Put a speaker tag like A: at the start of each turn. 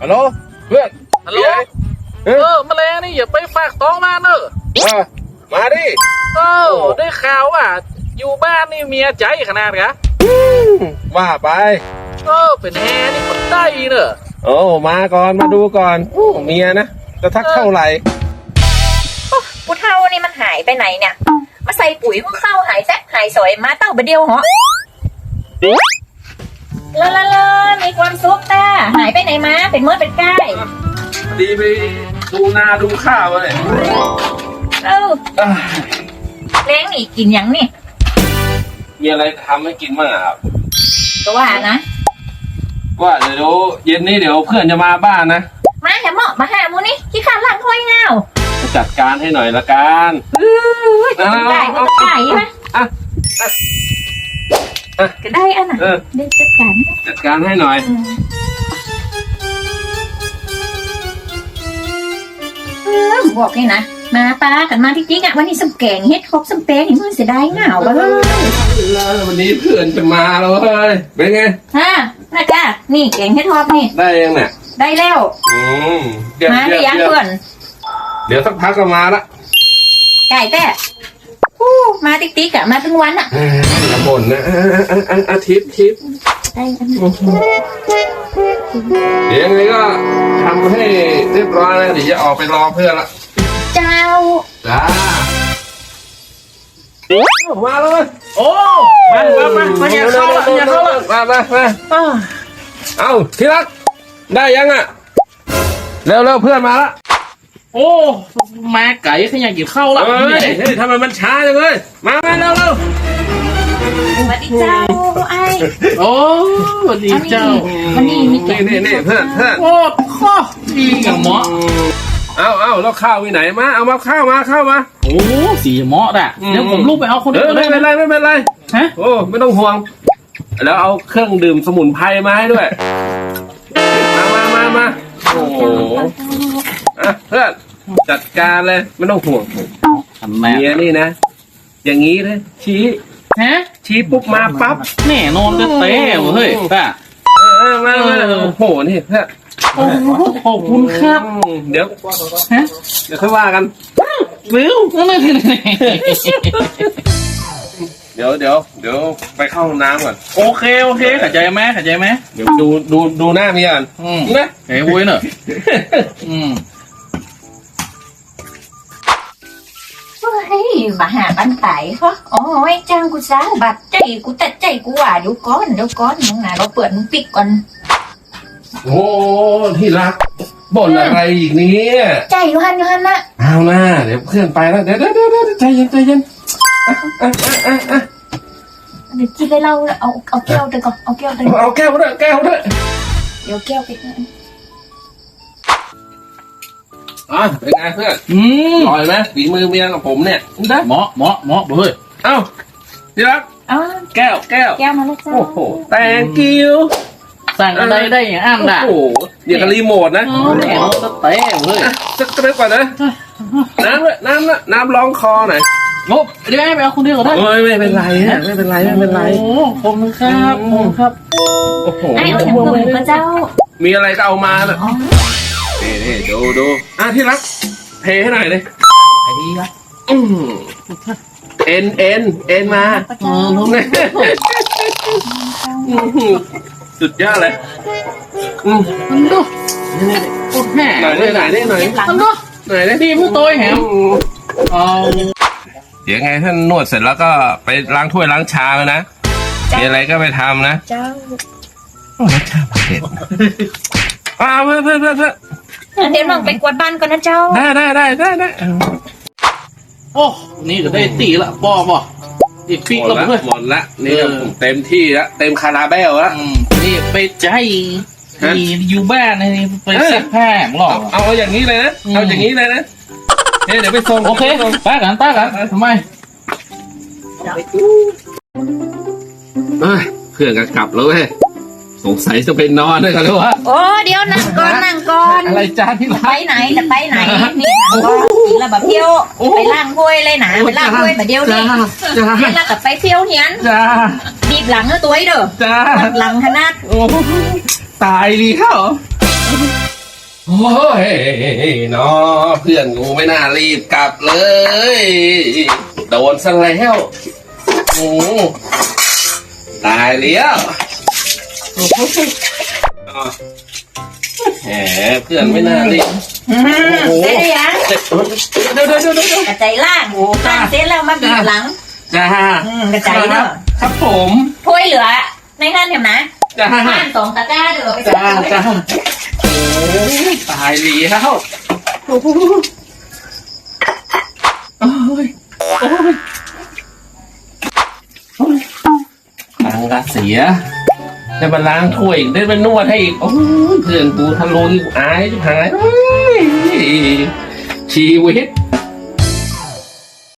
A: ฮัลโหลเพื่อน
B: ฮัลโหลแมลงนี่อย่าไปฝากท้องมาเนอะ
A: มาดิ
B: ได้ข่าวว่าอยู่บ้านนี่เมียใจขนาดกะ
A: ว่าไป
B: เป็นแฮนี่คนได้เนอะ
A: มาก่อนมาดูก่อนเมียนะจะทักเท่าไหร่
C: ผู้เท่านี่มันหายไปไหนเนี่ยมาใส่ปุ๋ยก็เข้าหายแซ่บหายสวยมาเต้าไปเดียวเหรอลามีความสุขตาหายไปไหนมาเป็นเมื่อเป็นใกล้
A: ดีไปดูนาดูข้าวเลย
C: เล้งนี่กินยังนี่
A: มีอะไรทำให้กินบ้างครับ
C: ก็ว่านะ
A: ว่าเดี๋ยวเย็นนี้เดี๋ยวเพื่อนจะมาบ้านนะ
C: มาแถมเหมาะมาหามูนี่ขี้ขาดหลังถ้วยเงา
A: จัดการให้หน่อยละกัน
C: ได้ก็ได้ไหมก็ได้อันน่ะได้
A: จัดการให้หน่อย
C: บอกนี่นะมาป้ากันมาที่จิ๊กอ่ะวันนี้สมแกงเฮ็ดครบสมเปงเห็นมันเสียดายเหงา
A: วันนี้เพื่อนจะมาแล้วเฮ้ยเป็นไง
C: น่าจ้านี่แกงเฮ็ดทอปนี่
A: ได้ยังเนี่ย
C: ได้แล้วมาได้ยังเพื่อน
A: เดี๋ยวสักพักก็มาละ
C: ไก่แต่มาติ๊กอ่ะมาทั้งวันอ่ะ
A: อย่าบ่นนะอาทิตย์เดี๋ยวยังไงก็ทำให้เรียบร้อยนะเดี๋ยวจะออกไปรอเพื่อนละ
C: เจ้า
A: จ้ามาเลย
B: มาอย่าเข้าละ
A: มาเอาที่รักได้ยังอ่ะเร็วเพื่อนมาละ
B: มาไก่ขยันกินข้าวละ
A: เฮ้ยทำไมมันช้าจังเลยมาเร็ว
C: สวัสดีเจ้าไอ้
B: สวัสดีเจ้า
C: วันนี้มีแกง
A: นี่เพื่อน
B: ข้อดีกับหมอ
A: เอาแล้วข้าวไปไหนมาเอามาข้าวมา
B: สีหมออ่ะเดี๋ยวผมลูกไปเอาคนเดียว
A: ไม่เป็นไร
B: ฮะ
A: ไม่ต้องห่วงแล้วเอาเครื่องดื่มสมุนไพรมาให้ด้วยมาโอ้โหเพื่อนจัดการเลยไม่ต้องห่วงเมียนี่นะอย่างนี้เลยชี้ปุ๊บมาปั๊บ
B: แน่นอนจะเต้เฮ้ยป้า
A: มาโอ้โหนี่เพื่อน
B: ขอบคุณครับ
A: เดี๋ยวค่อยว่ากัน
B: วิว
A: เดี๋ยวไปเข้าห้องน้ำก่อน
B: โอเคเข้าใจไหม
A: เดี๋ยวดูหน้าเมียก่อน
B: นะเฮ้ยวุ้ยเนอะ
C: มาหาบ้านไต่เขาไอ้จ้างกูซะบัดใจกูตัดใจกูว่าเดี๋ยวก้อนมึงน่ะเราเปิดมึงปิดก่อน
A: โอ้ที่รักบ่นอะไรอีกเนี่ย
C: ใจยูฮันนะ
A: เอาหน้าเดี๋ยวเพื่อนไปแล้วเดี๋ยวใจเย็น
C: เดี๋ยวกินได้เราเอาแก้วเดี๋ยวก่อนเอาแก้วด้วย
A: เดี๋ยวแก้วไปเป็นไงเพื่อนอร่อยไหมฝีมือเมียกับผมเนี่ย
B: ได้หมอเฮ้ย
A: ที่รักแก้ว
C: มาแล้วจ้า
A: โอ้โหthank you
B: สั่งอะไรได้อย่างอ้ำด่ะ
A: โอ้โหอย่างกับรีโมทนะ
B: แหมสเต้เฮ้ย
A: สักเล็กก่อนนะน้ำร้องคอหน่อย
B: เดี๋ยวให้ไปเอาคนเดียวก็ได้
A: ไม่เป็นไร
B: โอ้ผมครับ
A: โอ้โห
C: ไอ้เอาอย่างอื่นก็เจ้า
A: มีอะไรก็เอามาเลยนี่ดูที่รักเทให้หน่อยเลย
B: ไอ้ดีละ
A: เอ็นมาสุดยอดเลย
B: มันดูพูดแห่
A: หน่อย
B: มันดูดีพูดโต้แหม
A: เดี๋ยวไงท่านนวดเสร็จแล้วก็ไปล้างถ้วยล้างชามนะมีอะไรก็ไปทำนะ
C: เจ้า
A: ล้างชามเด็ดเพื่อน
C: เดี๋ยวลองไปกวาดบ้านก่อนนะเจ้า
A: ได้
B: โอ้นี่ก็ได้ตีละป้ออีกปีก็
A: หมดละนี่ผมเต็มที่ละเต็มคาราเบลละ
B: นี่ไปใจอยู่บ้านนี่ไปเซ็ตแพงหรอ
A: เอาอย่างนี้เลยนะเดี๋ยวไปส่ง
B: โอเคป้ากันทำไม
A: เพื่อนก็กลับแล้วเว้ยสงสัยจะไปนอนด้วยกันหรือวะ
C: เดี๋ยวนั่งก่อน
A: อะไรจ้าที่
C: ไปไหนนี่นั่งก่อนแล้วแบบเที่ยวไปล้างถ้วยเลยนะไปล้างถ้วยแบบเดียวนี่แล้วกับไปเที่ยวเฮียนบีบหลังตัวไอ้เด้อหลังขนาด
A: ตายดีเขาโอ้ยเนาะเพื่อนกูไม่น่ารีบกลับเลยโดนซะแล้วโอ้ตายแล้วแหมเพื่อนไม่น่ารีบ
C: เสร็จหรือยัง
A: เดี๋ยว
C: กระจายล่างล่างเสร็จแล้วมาบีบหลัง
A: จ้าก
C: ระจายเนอะ
A: ครับผม
C: ถ้วยเหลือในนั่นเห็นไหม
A: จ้า
C: บ้าน2 ตะกร้าเดี๋ยวไป
A: จ้าจ้าโอ้ยตายแล้วโอ้ยตังกะเสียได้มาล้างถ้วยอีกได้มานวดให้อีกโอ้ยเพื่อนกูทะลุที่อายชิบหายชีวิต